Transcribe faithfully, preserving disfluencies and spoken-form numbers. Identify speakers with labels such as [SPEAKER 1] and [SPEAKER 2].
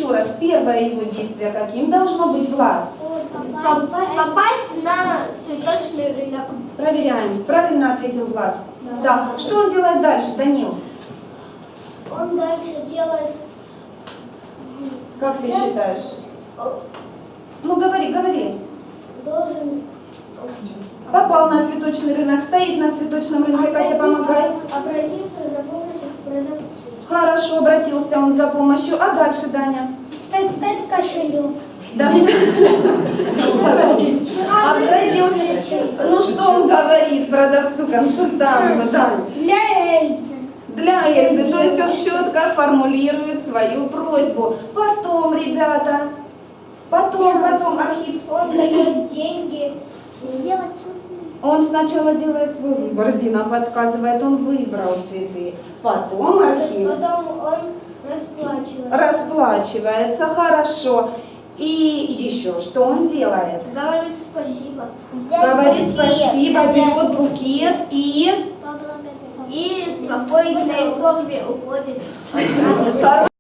[SPEAKER 1] еще раз, первое его действие каким должно быть, Влас?
[SPEAKER 2] Попасть на цветочный рынок.
[SPEAKER 1] Проверяем. Правильно ответил Влас.
[SPEAKER 2] Да.
[SPEAKER 1] Да. Что он делает дальше, Данил?
[SPEAKER 2] Он дальше делает...
[SPEAKER 1] Как ты считаешь? Ну, говори, говори.
[SPEAKER 2] Должен...
[SPEAKER 1] Попал на цветочный рынок, стоит на цветочном рынке, Катя, помогай.
[SPEAKER 2] Обратиться за помощью к продавцу.
[SPEAKER 1] Хорошо, обратился он за помощью. А дальше, Даня?
[SPEAKER 2] Достать кошелек.
[SPEAKER 1] Да. Обратился. Ну, что он говорит продавцу, консультанту, Даня?
[SPEAKER 2] Для Эльзы.
[SPEAKER 1] Для Эльзы, то есть он четко формулирует свою просьбу. Потом, ребята, потом, потом, Архип.
[SPEAKER 2] Он дает деньги. Сделать
[SPEAKER 1] Он сначала делает свой выбор, Зина подсказывает, он выбрал цветы. Потом Архип
[SPEAKER 2] Потом он расплачивается.
[SPEAKER 1] расплачивается, хорошо. И еще что он делает?
[SPEAKER 2] Говорит спасибо.
[SPEAKER 1] Говорит спасибо, берет букет и...
[SPEAKER 2] И в спокойной форме уходит.